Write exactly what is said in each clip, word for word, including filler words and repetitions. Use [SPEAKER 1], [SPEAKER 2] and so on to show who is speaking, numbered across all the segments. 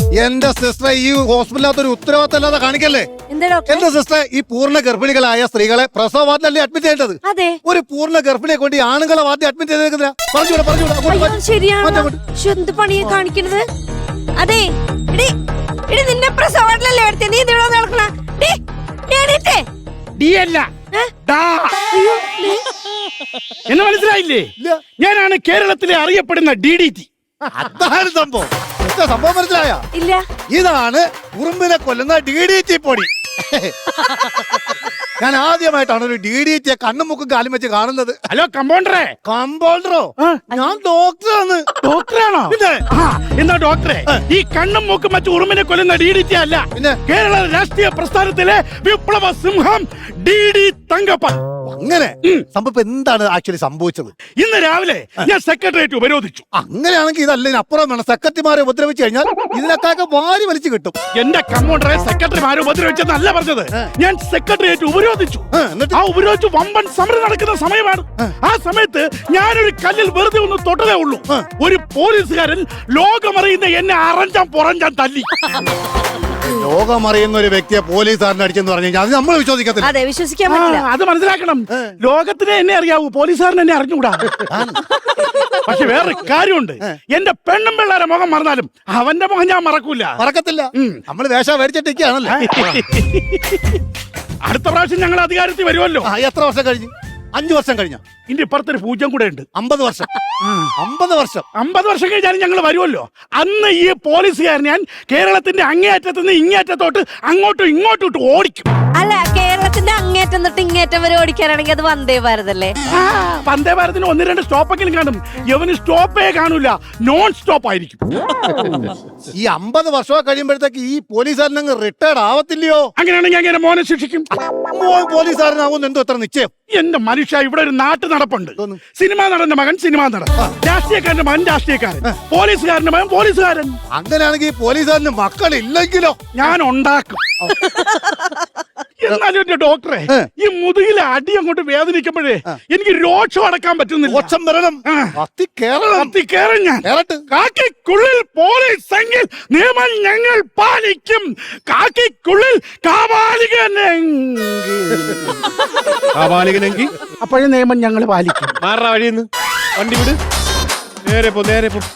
[SPEAKER 1] എന്റെ സിസ്റ്റർ ഈ ഹോസ്പിറ്റലിനകത്ത് ഒരു ഉത്തരവാദിത്തമല്ലാതെ കാണിക്കല്ലേ. എന്റെ സിസ്റ്റർ ഈ പൂർണ്ണ ഗർഭിണികളായ സ്ത്രീകളെ പ്രസവ വാർഡിലല്ലേ അഡ്മിറ്റ് ചെയ്യേണ്ടത്.
[SPEAKER 2] അതെ,
[SPEAKER 1] ഒരു പൂർണ്ണ ഗർഭിണിയെ കൊണ്ട് ഈ ആണുങ്ങളെ വാർഡിൽ അഡ്മിറ്റ് ചെയ്തേക്കുന്നില്ല. പറഞ്ഞൂടെ പറഞ്ഞൂടെ
[SPEAKER 2] ശരിയാണ്. എന്ത് പണിയെ കാണിക്കണത്? അതെ, ഇടി നിന്നെ പ്രസവ വാർഡിലല്ലേ എടുത്തേ, നീ ഇതിവിടെ നടക്കണ.
[SPEAKER 3] എന്ന് മനസ്സിലായില്ലേ? ഞാനാണ് കേരളത്തിലെ അറിയപ്പെടുന്ന ഡി ഡി ടി.
[SPEAKER 1] അതാണ് സംഭവം. സംഭവം മനസ്സിലായ?
[SPEAKER 2] ഇല്ല.
[SPEAKER 1] ഇതാണ് ഉറുമ്പിനെ കൊല്ലുന്ന ഡി ഡി ടി പൊടി. ഞാൻ ആദ്യമായിട്ടാണ് ഒരു ഡി ഡി ടിയെ കണ്ണും മുക്കും കാലും വെച്ച് കാണുന്നത്.
[SPEAKER 3] ഹലോ കമ്പൗണ്ടറെ.
[SPEAKER 1] കമ്പൗണ്ടറോ? ഞാൻ ഡോക്ടറാണ്.
[SPEAKER 3] ഡോക്ടറാണോ?
[SPEAKER 1] പിന്നെ
[SPEAKER 3] എന്താ ഡോക്ടറെ, ഈ കണ്ണും മൂക്കും വെച്ച് ഉറുമ്പിനെ കൊല്ലുന്ന ഡി ഡി ടി അല്ല,
[SPEAKER 1] പിന്നെ
[SPEAKER 3] കേരള രാഷ്ട്രീയ പ്രസ്ഥാനത്തിലെ വിപ്ലവ സിംഹം ഡി ഡി തങ്കപ്പൻ.
[SPEAKER 1] അങ്ങനെ സംഭവം എന്താണ് ആക്ച്വലി സംഭവിച്ചത്?
[SPEAKER 3] ഇന്ന് രാവിലെ ഞാൻ സെക്രട്ടേറിയറ്റ് ഉപരോധിച്ചു.
[SPEAKER 1] അങ്ങനെയാണെങ്കിൽ ഇതല്ല, അപ്പുറം വേണം. സെക്രട്ടറിമാരെ ഉപദ്രവിച്ചു കഴിഞ്ഞാൽ ഇതിനൊക്കെ വാരി വലിച്ചു കിട്ടും.
[SPEAKER 3] എന്റെ കമ്പൗണ്ടറെ സെക്രട്ടറിമാരെ ഉപദ്രവിച്ചെന്നല്ല പറഞ്ഞത്, ഞാൻ സെക്രട്ടേറിയറ്റ് ഉപരോധിച്ചു. ആ ഉപരോധിച്ചു വമ്പൻ സമരം നടക്കുന്ന സമയമാണ്. ആ സമയത്ത് ഞാനൊരു കല്ലിൽ വെറുതെ ഒന്ന് തൊട്ടതേ ഉള്ളൂ, ഒരു പോലീസുകാരൻ ലോകമറിയുന്ന എന്നെ അറഞ്ചാൻ പുറഞ്ചാൻ തല്ലി.
[SPEAKER 1] ലോകമറിയുന്ന ഒരു വ്യക്തിയെ പോലീസുകാരൻ അടിച്ചെന്ന് പറഞ്ഞു കഴിഞ്ഞാൽ അത് നമ്മൾ വിശ്വസിക്കത്തില്ല.
[SPEAKER 2] അതെ, വിശ്വസിക്കാൻ പറ്റില്ല.
[SPEAKER 3] അത് മനസ്സിലാക്കണം. ലോകത്തിനെ എന്നെ അറിയാവൂ, പോലീസുകാരൻ എന്നെ അറിഞ്ഞുകൂടാ. പക്ഷെ വേറൊരു കാര്യമുണ്ട്, എന്റെ പെണ്ണും പിള്ളേരെ മുഖം മറന്നാലും അവന്റെ മുഖം ഞാൻ മറക്കൂല.
[SPEAKER 1] മറക്കത്തില്ല. നമ്മൾ വേഷ മേടിച്ചിട്ടൊക്കെയാണല്ലോ.
[SPEAKER 3] അടുത്ത പ്രാവശ്യം ഞങ്ങൾ അധികാരത്തിൽ വരുമല്ലോ.
[SPEAKER 1] എത്ര വർഷം കഴിഞ്ഞു? അഞ്ചു വർഷം കഴിഞ്ഞ.
[SPEAKER 3] ഇനി ഇപ്പുറത്തൊരു പൂജ്യം കൂടെ ഉണ്ട്.
[SPEAKER 1] അമ്പത് വർഷം. അമ്പത് വർഷം
[SPEAKER 3] അമ്പത് വർഷം കഴിഞ്ഞാലും ഞങ്ങൾ വരുമല്ലോ. അന്ന് ഈ പോലീസുകാരൻ ഞാൻ കേരളത്തിന്റെ അങ്ങേയറ്റത്ത് നിന്ന് ഇങ്ങേറ്റത്തോട്ട് അങ്ങോട്ടും ഇങ്ങോട്ടും ഇട്ട് ഓടിക്കും.
[SPEAKER 2] അല്ല, കേരളത്തിന്റെ അങ്ങേറ്റം തൊട്ട് ഇങ്ങേറ്റം വരെ ഓടിക്കാനാണെങ്കിൽ അത് വന്ദേ ഭാരതല്ലേ?
[SPEAKER 3] വന്ദേ ഭാരതിന് ഒന്ന് രണ്ട് സ്റ്റോപ്പെങ്കിലും കാണും. യവന് സ്റ്റോപ്പേ കാണൂല, നോൺ സ്റ്റോപ്പ് ആയിരിക്കും.
[SPEAKER 1] ഈ അമ്പത് വർഷം കഴിയുമ്പോഴത്തേക്ക് ഈ പോലീസുകാരൻ അങ്ങ് റിട്ടയർഡ് ആവത്തില്ലയോ?
[SPEAKER 3] അങ്ങനെയാണെങ്കിൽ അങ്ങനെ മോനെ ശിക്ഷിക്കും.
[SPEAKER 1] പോലീസുകാരനാവുന്ന എന്തോ എത്ര നിശ്ചയം?
[SPEAKER 3] എന്റെ മനുഷ്യ, ഇവിടെ ഒരു നാട്ടു നടപ്പുണ്ട്. സിനിമാ നടന്റെ മകൻ സിനിമാ നടൻ, രാഷ്ട്രീയക്കാരന്റെ മകൻ രാഷ്ട്രീയക്കാരൻ, പോലീസുകാരന്റെ മകൻ പോലീസുകാരൻ.
[SPEAKER 1] അങ്ങനെയാണെങ്കിൽ പോലീസുകാരന് മക്കളില്ലെങ്കിലോ?
[SPEAKER 3] ഞാൻ ഉണ്ടാക്കും. എന്നാലും എന്റെ ഡോക്ടറെ, ഈ മുതുകിലെ അടി അങ്ങോട്ട് വേദനിക്കുമ്പോഴേ എനിക്ക് രോക്ഷം അടക്കാൻ പറ്റുന്നില്ല.
[SPEAKER 1] രോക്ഷം വരണം. കത്തി കേറണം.
[SPEAKER 3] കത്തി കേറും ഞാൻ. കാക്കിക്കുള്ളിൽ പോലീസ് എങ്കിൽ നിയമം ഞങ്ങൾ പാലിക്കും. കാക്കിക്കുള്ളിൽ കാപാലികനെങ്കിൽ
[SPEAKER 1] കാപാലികനെങ്കിൽ
[SPEAKER 3] അപ്പോഴേ നിയമം ഞങ്ങൾ പാലിക്കും.
[SPEAKER 4] മാറാ വഴിയെന്ന് വണ്ടി വിട്. നേരെ പോ, നേരെ പോ.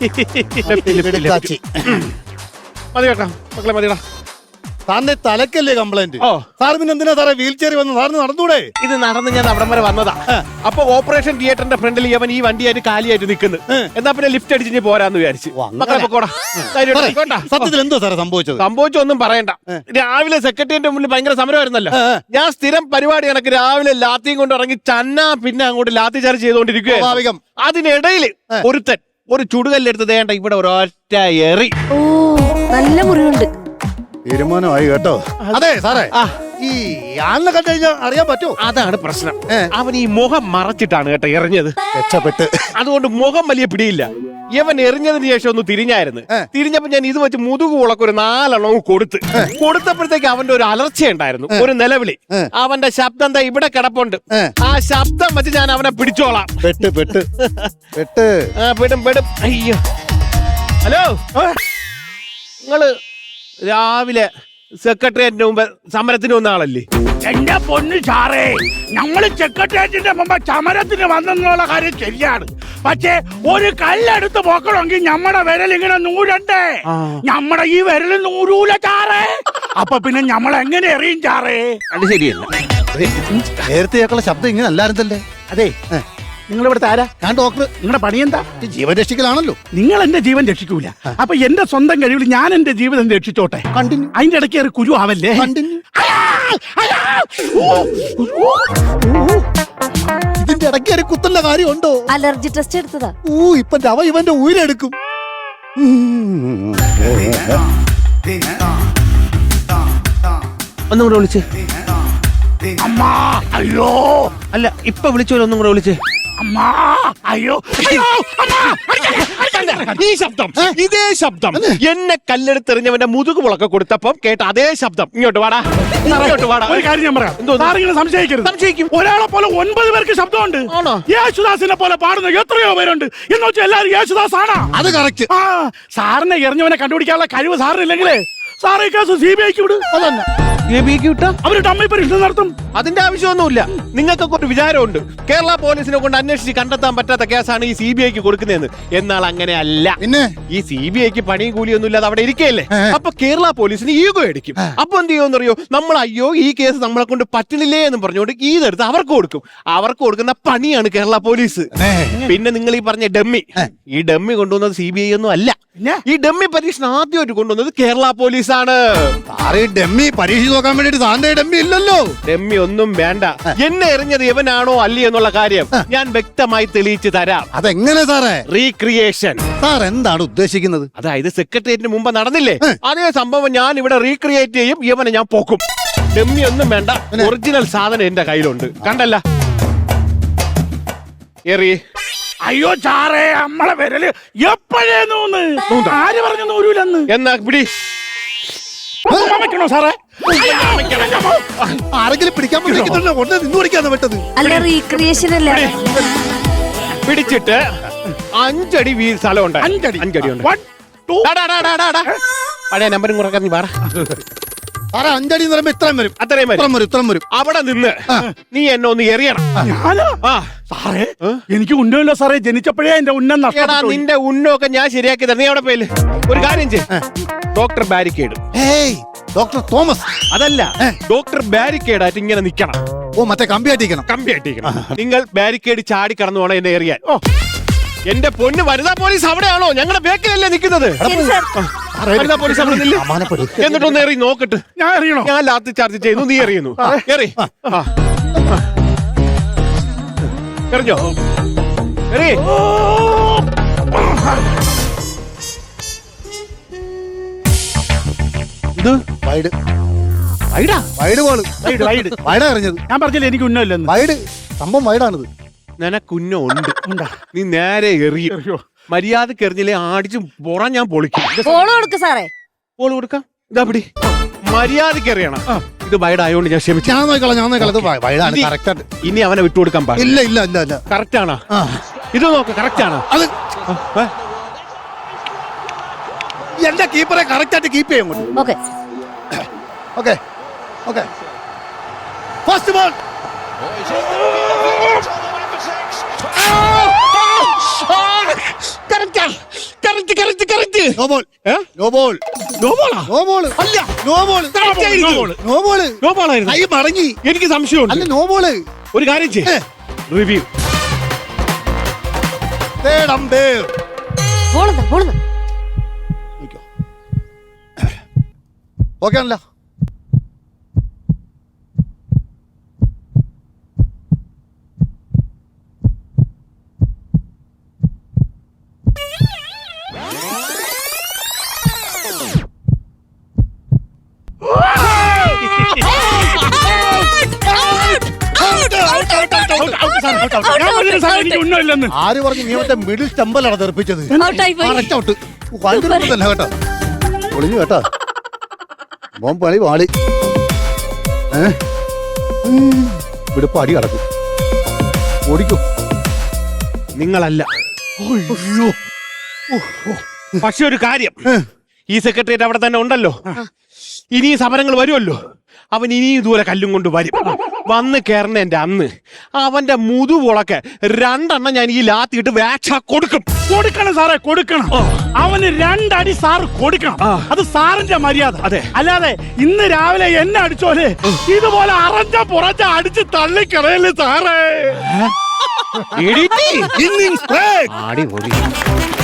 [SPEAKER 4] മതി കേട്ടാ മക്കളെ, മതിടാ.
[SPEAKER 1] സാറിന്റെ തലക്കല്ലേ കംപ്ലൈന്റ്? സാർ പിന്നെ എന്തിനാ സാറേ വീൽ ചെയറിൽ വന്ന്? സാറിന് നടന്നൂടെ?
[SPEAKER 4] ഇത് നടന്ന് ഞാൻ അവിടം വരെ വന്നതാ. അപ്പൊ ഓപ്പറേഷൻ തിയേറ്ററിന്റെ ഫ്രണ്ടിൽ അവൻ ഈ വണ്ടിയായിട്ട് കാലിയായിട്ട് നിൽക്കുന്നു. എന്നാ പിന്നെ ലിഫ്റ്റ് അടിച്ച് പോരാന്ന് വിചാരിച്ചു. മക്കളെ പൊക്കോടാ.
[SPEAKER 1] സത്യത്തിൽ എന്തോ സാറേ സംഭവിച്ചത്?
[SPEAKER 4] സംഭവിച്ചൊന്നും പറയണ്ട. രാവിലെ സെക്രട്ടറിയേറ്റ് മുന്നിൽ ഭയങ്കര സമരമായിരുന്നല്ലോ. ഞാൻ സ്ഥിരം പരിപാടി കണക്ക് രാവിലെ ലാത്തിയും കൊണ്ട് ഇറങ്ങി ചന്നാ പിന്നെ അങ്ങോട്ട് ലാത്തി ചാർജ് ചെയ്തുകൊണ്ടിരിക്കുക. അതിനിടയില് ഒരുത്തൻ ഒരു ചുടുകല്ലെടുത്ത് ദേണ്ട ഇവിടെ ഒരൊറ്റ എറി.
[SPEAKER 2] ഓ, നല്ല മുറിവുണ്ട്.
[SPEAKER 1] തീരുമാനമായി കേട്ടോ. അതെ സാറേ, ഈ ആളിനെ കണ്ടു കഴിഞ്ഞാൽ അറിയാൻ പറ്റുമോ?
[SPEAKER 4] അതാണ് പ്രശ്നം. അവൻ ഈ മുഖം മറച്ചിട്ടാണ് കേട്ടോ എറിഞ്ഞത്.
[SPEAKER 1] രക്ഷപ്പെട്ട്.
[SPEAKER 4] അതുകൊണ്ട് മുഖം വലിയ പിടിയില്ല. ഇവൻ എറിഞ്ഞതിന് ശേഷം ഒന്ന് തിരിഞ്ഞായിരുന്നു. തിരിഞ്ഞപ്പോ ഞാൻ ഇത് വെച്ച് മുതുകു ഉളക്ക് ഒരു നാലെണ്ണവും കൊടുത്ത് കൊടുത്തപ്പോഴത്തേക്ക് അവന്റെ ഒരു അലർച്ചയുണ്ടായിരുന്നു, ഒരു നിലവിളി. അവന്റെ ശബ്ദം എന്താ ഇവിടെ കിടപ്പുണ്ട്. ആ ശബ്ദം വെച്ച് ഞാൻ അവനെ പിടിച്ചോളാം.
[SPEAKER 1] പെട്ട് പെട്ട് പെട്ട്
[SPEAKER 4] ആ പെടും പെടും. അയ്യോ, ഹലോ, നിങ്ങള് രാവിലെ സെക്രട്ടേറിയറ്റിന്റെ മുമ്പ് സമരത്തിന് വന്ന ആളല്ലേ?
[SPEAKER 3] എന്റെ പൊന്നു സാറേ, ഞങ്ങള് സെക്രട്ടേറിയറ്റിന്റെ മുമ്പ് സമരത്തിന് വന്നെന്നുള്ള കാര്യം ശരിയാണ്. പക്ഷേ ഒരു കല്ലെടുത്ത് പോക്കണമെങ്കിൽ നമ്മുടെ വിരൽ ഇങ്ങനെ നൂരണ്ടേ. നമ്മുടെ ഈ വിരൽ നൂരൂല ചാറേ. അപ്പൊ പിന്നെ നമ്മൾ എങ്ങനെ എറിയും ചാറേ?
[SPEAKER 4] അത് ശരിയല്ല.
[SPEAKER 1] നേരത്തെ കേൾക്കുള്ള ശബ്ദം ഇങ്ങനെ അല്ലായിരുന്നല്ലേ?
[SPEAKER 3] അതെ, നിങ്ങൾ ഇവിടുത്തെ ആരാ?
[SPEAKER 1] ഞാൻ ഡോക്ടർ.
[SPEAKER 3] നിങ്ങളുടെ പണി എന്താ?
[SPEAKER 1] ജീവൻ രക്ഷിക്കലാണല്ലോ.
[SPEAKER 3] നിങ്ങൾ എന്റെ ജീവൻ രക്ഷിക്കൂല. അപ്പൊ എന്റെ സ്വന്തം കഴിവിൽ ഞാൻ എന്റെ ജീവിതം രക്ഷിച്ചോട്ടെ.
[SPEAKER 1] കണ്ടിന്യൂ.
[SPEAKER 3] അതിന്റെ ഇടയ്ക്ക് ഒരു കുരു ആവല്ലേ?
[SPEAKER 1] കണ്ടിന്യൂ. ഇതിന്റെ ഇടയ്ക്ക് ഒരു കുത്തുന്ന കാര്യമുണ്ടോ?
[SPEAKER 2] അലർജി ടെസ്റ്റ് എടുത്തതാ.
[SPEAKER 1] ഊ, ഇപ്പൊ അവ ഇവന്റെ ഉയരെടുക്കും.
[SPEAKER 4] ഒന്നും കൂടെ വിളിച്ച്.
[SPEAKER 3] അമ്മാ, അയ്യോ.
[SPEAKER 4] അല്ല, ഇപ്പൊ വിളിച്ചോലോ, ഒന്നും കൂടെ വിളിച്ച്.
[SPEAKER 3] അമ്മാ അയ്യോ അയ്യോ അമ്മാ അടിക്കല്ലേ, അടിക്കല്ലേ.
[SPEAKER 4] ഈ ശബ്ദം ഇതേ ശബ്ദം എന്നെ കല്ലെടുത്തെറിഞ്ഞവന്റെ മുതുകുമുളൊക്കെ കൊടുത്തപ്പം കേട്ട അതേ ശബ്ദം. ഇങ്ങോട്ട് വാടാ, ഇങ്ങോട്ട് വാടാ.
[SPEAKER 3] ഒരു കാര്യം ഞാൻ പറയാം, സാറിങ്ങനെ സംശയിക്കരുത്.
[SPEAKER 4] സംശയിക്കും.
[SPEAKER 3] ഒരാളെ പോലെ ഒൻപത് പേർക്ക് ശബ്ദമുണ്ട്.
[SPEAKER 4] ആണോ?
[SPEAKER 3] യേശുദാസിനെ പോലെ പാടുന്ന എത്രയോ പേരുണ്ട്. എന്ന് വെച്ചാൽ എല്ലാവരും യേശുദാസ് ആണോ?
[SPEAKER 1] അത് കറക്റ്റ്.
[SPEAKER 3] ആ സാറിനെ എറിഞ്ഞവനെ കണ്ടുപിടിക്കാനുള്ള കഴിവ് സാറിനില്ലെങ്കിലേ സാറേ കേസ് സി ബി ഐക്ക് വിടും. അതന്നെ അവര് ഡമ്മി പരീക്ഷ നടത്തും.
[SPEAKER 4] അതിന്റെ ആവശ്യമൊന്നുമില്ല. നിങ്ങൾക്കൊക്കെ ഒരു വിചാരമുണ്ട് കേരള പോലീസിനെ കൊണ്ട് അന്വേഷിച്ച് കണ്ടെത്താൻ പറ്റാത്ത കേസാണ് ഈ സി ബി ഐക്ക് കൊടുക്കുന്നതെന്ന്. എന്നാൽ അങ്ങനെ അല്ല.
[SPEAKER 1] പിന്നെ
[SPEAKER 4] ഈ സി ബി ഐക്ക് പണിയും കൂലിയൊന്നും ഇല്ലാതെ അവിടെ ഇരിക്കുകയല്ലേ. അപ്പൊ കേരള പോലീസിന് ഈഗോ അടിക്കും. അപ്പൊ എന്ത് ചെയ്യുമെന്നറിയോ, നമ്മൾ അയ്യോ ഈ കേസ് നമ്മളെ കൊണ്ട് പറ്റണില്ലേ എന്ന് പറഞ്ഞുകൊണ്ട് ഇതെടുത്ത് അവർക്ക് കൊടുക്കും. അവർക്ക് കൊടുക്കുന്ന പണിയാണ് കേരള പോലീസ്. പിന്നെ നിങ്ങൾ ഈ പറഞ്ഞ ഡമ്മി, ഈ ഡമ്മി കൊണ്ടുവന്നത് സി ബി ഐ ഒന്നും അല്ല. ഈ ഡമ്മി പരീക്ഷണം ആദ്യമായിട്ട് കൊണ്ടുവന്നത് കേരള പോലീസാണ്.
[SPEAKER 1] സാറേ ഡമ്മി പരീക്ഷ നോക്കാൻ വേണ്ടിട്ട് സാറിന്റെ ഡമ്മി ഇല്ലല്ലോ.
[SPEAKER 4] ഡമ്മി ഒന്നും വേണ്ട. എന്നെ എറിഞ്ഞത് ഇവനാണോ അല്ലേ എന്നുള്ള കാര്യം ഞാൻ വ്യക്തമായി തെളിയിച്ചു തരാം.
[SPEAKER 1] അതെങ്ങനെ സാറേ?
[SPEAKER 4] റീക്രിയേഷൻ.
[SPEAKER 1] സാർ എന്താണ് ഉദ്ദേശിക്കുന്നത്?
[SPEAKER 4] അതായത് സെക്രട്ടേറിയറ്റിന് മുമ്പ് നടന്നില്ലേ അതേ സംഭവം ഞാൻ ഇവിടെ റീക്രിയേറ്റ് ചെയ്യും. ഇവനെ ഞാൻ പോക്കും. ഡമ്മി ഒന്നും വേണ്ട, ഒറിജിനൽ സാധനം എന്റെ കയ്യിലുണ്ട്. കണ്ടല്ല എറി.
[SPEAKER 3] അയ്യോ ചാറേ, നമ്മളെ വിരല് എപ്പോഴേ നൂന്ന്. ആര് പറഞ്ഞു നൂരൂലെന്ന്?
[SPEAKER 4] എന്നാ പിടി.
[SPEAKER 3] വെക്കണോ സാറേ?
[SPEAKER 1] ആരെങ്കിലും പിടിക്കാൻ പറ്റില്ല, ഉടനെ നിന്ന് പിടിക്കാന്ന് പറ്റത്.
[SPEAKER 2] അല്ല റീക്രിയേഷൻ അല്ല.
[SPEAKER 4] പിടിച്ചിട്ട് അഞ്ചടി വീ സ്ഥലമുണ്ട്.
[SPEAKER 3] അഞ്ചടി
[SPEAKER 4] അഞ്ചടി ഉണ്ട്.
[SPEAKER 3] One, two.
[SPEAKER 4] പഴയ നമ്പരും കുറക്കാൻ നീ പറ.
[SPEAKER 1] സാറേ അഞ്ചടി എന്ന് പറയുമ്പോ ഇത്രയും വരും.
[SPEAKER 4] അത്രയും
[SPEAKER 1] ഇത്രയും വരും, ഇത്രയും വരും.
[SPEAKER 4] അവിടെ നിന്ന് നീ എന്നെ ഒന്ന് എറിയണം.
[SPEAKER 3] ഞാനോ?
[SPEAKER 4] ആ
[SPEAKER 3] സാറേ എനിക്ക് ഉന്നമില്ല സാറേ, ജനിച്ചപ്പോഴേ എന്റെ ഉന്നം
[SPEAKER 4] എടാ,
[SPEAKER 3] നഷ്ടപ്പെട്ടു.
[SPEAKER 4] നിന്റെ ഉന്നൊക്കെ ഞാൻ ശരിയാക്കി തരാം. നീ അവിടെ പോയില്ലേ? ഒരു കാര്യം ചെയ്യ്, ഡോക്ടർ ബാരിക്കേഡ്.
[SPEAKER 1] ഏയ് ഡോക്ടർ തോമസ്.
[SPEAKER 4] അതല്ല, ഡോക്ടർ ബാരിക്കേഡ് ആയിട്ട് ഇങ്ങനെ നിക്കണം.
[SPEAKER 1] ഓ മറ്റേ കമ്പി ആയിട്ടിരിക്കണം.
[SPEAKER 4] കമ്പി ആയിട്ടിരിക്കണം. നിങ്ങൾ ബാരിക്കേഡ് ചാടി കടന്നു വേണം എന്നെ എറിയാൻ. ഓ എന്റെ പൊന്ന് വനിതാ പോലീസ് അവിടെയാണോ? ഞങ്ങളുടെ ബേക്കിലല്ലേ നിൽക്കുന്നത്? വനിതാ പോലീസ് അവിടെ നില്ല്. എന്നിട്ടൊന്ന് എറി നോക്കട്ട്.
[SPEAKER 3] ഞാൻ അറിയണോ?
[SPEAKER 4] ഞാൻ ലാത്തി ചാർജ് ചെയ്യുന്നു, നീ എറിയുന്നു. എറി. ആ. എറിഞ്ഞോ? എറി. ഇത്
[SPEAKER 1] വൈഡ്
[SPEAKER 3] വൈഡാ
[SPEAKER 1] വൈഡ് ബോള്.
[SPEAKER 3] വൈഡ് വൈഡ്
[SPEAKER 1] വൈഡാ എറിഞ്ഞത്.
[SPEAKER 3] ഞാൻ പറഞ്ഞില്ല എനിക്ക് ഉന്നമില്ലെന്ന്.
[SPEAKER 1] വൈഡ് സംഭവം വൈഡാണിത്.
[SPEAKER 4] നിനക്കുന്നോ ഉണ്ട്. നീ നേരെ എറിയും. മര്യാദക്ക് എറിഞ്ഞില്ലേ അടിച്ചു പുറം ഞാൻ പൊളിക്കും.
[SPEAKER 2] ഫോളോ കൊടുക്ക് സാറേ.
[SPEAKER 4] ബോൾ കൊടുക്കാം. ഇതാ പിടി. മര്യാദക്ക് എറിയണം. ഇത് വൈഡ് ആയതുകൊണ്ട് ഞാൻ ക്ഷമിച്ചു.
[SPEAKER 1] ഞാൻ നോക്കളാം, ഞാൻ നോക്കളാം. ഇത് വൈഡാണ് കറക്റ്റ് ആയിട്ട്.
[SPEAKER 4] ഇനി അവനെ വിട്ടുകൊടുക്കാൻ പാടില്ല.
[SPEAKER 1] ഇല്ല ഇല്ല ഇല്ല ഇല്ല.
[SPEAKER 4] കറക്റ്റ് ആണോ? ഇത് നോക്ക്, കറക്റ്റ് ആണോ?
[SPEAKER 1] അത് എന്റെ കീപ്പറെ കറക്റ്റ് ആയിട്ട് കീപ്പ് ചെയ്യും.
[SPEAKER 2] Okay
[SPEAKER 1] okay okay. First ball. No ball. No ball.
[SPEAKER 4] No ബോളാ?
[SPEAKER 1] No ball.
[SPEAKER 4] അല്ല,
[SPEAKER 1] no ball. No ball.
[SPEAKER 4] No ബോളായിരുന്നു.
[SPEAKER 1] കൈ മടങ്ങി.
[SPEAKER 4] എനിക്ക് സംശയമുണ്ട്.
[SPEAKER 1] അല്ല നോ ബോള്.
[SPEAKER 4] ഒരു കാര്യം ചെയ്യ്, റിവ്യൂ.
[SPEAKER 2] ബോളെന്താ ബോളെന്താ?
[SPEAKER 1] ഓക്കെ ആണല്ലോ.
[SPEAKER 3] എനിക്ക് ഉന്നമില്ലെന്ന്.
[SPEAKER 1] ആര് പറഞ്ഞു? നീ മറ്റേ മിഡിൽ സ്റ്റമ്പലാണ് തെറിപ്പിച്ചത്.
[SPEAKER 2] ഔട്ടായി പോയി.
[SPEAKER 1] Correct out. ഭയങ്കര തന്നെ കേട്ടോ. പൊളിഞ്ഞു കേട്ടോ. മോൻ പണി പാളി. ഏ ഇവിടെ അടി കിടക്കും. ഓടിക്കും.
[SPEAKER 4] നിങ്ങളല്ല. പക്ഷെ ഒരു കാര്യം, ഈ സെക്രട്ടേറിയറ്റ് അവിടെ തന്നെ ഉണ്ടല്ലോ. ഇനി സമരങ്ങൾ വരുമല്ലോ. അവൻ ഇനി ഇതുപോലെ കല്ലും കൊണ്ട് വരും. വന്ന് കയറുന്നതിന്റെ അന്ന് അവന്റെ മുതുവൊളക്കെ രണ്ടെണ്ണം ഞാൻ ഈ ലാത്തിയിട്ട് വേക്ഷ കൊടുക്കും.
[SPEAKER 3] കൊടുക്കണം സാറേ, കൊടുക്കണം. അവന് രണ്ടടി സാർ കൊടുക്കണം. അത് സാറിന്റെ മര്യാദ. അതെ, അല്ലാതെ ഇന്ന് രാവിലെ എന്നെ അടിച്ചോലെ ഇതുപോലെ അറഞ്ഞ പുറഞ്ഞ അടിച്ച് തള്ളിക്കളയല്ലേ സാറേ.
[SPEAKER 4] Innings break.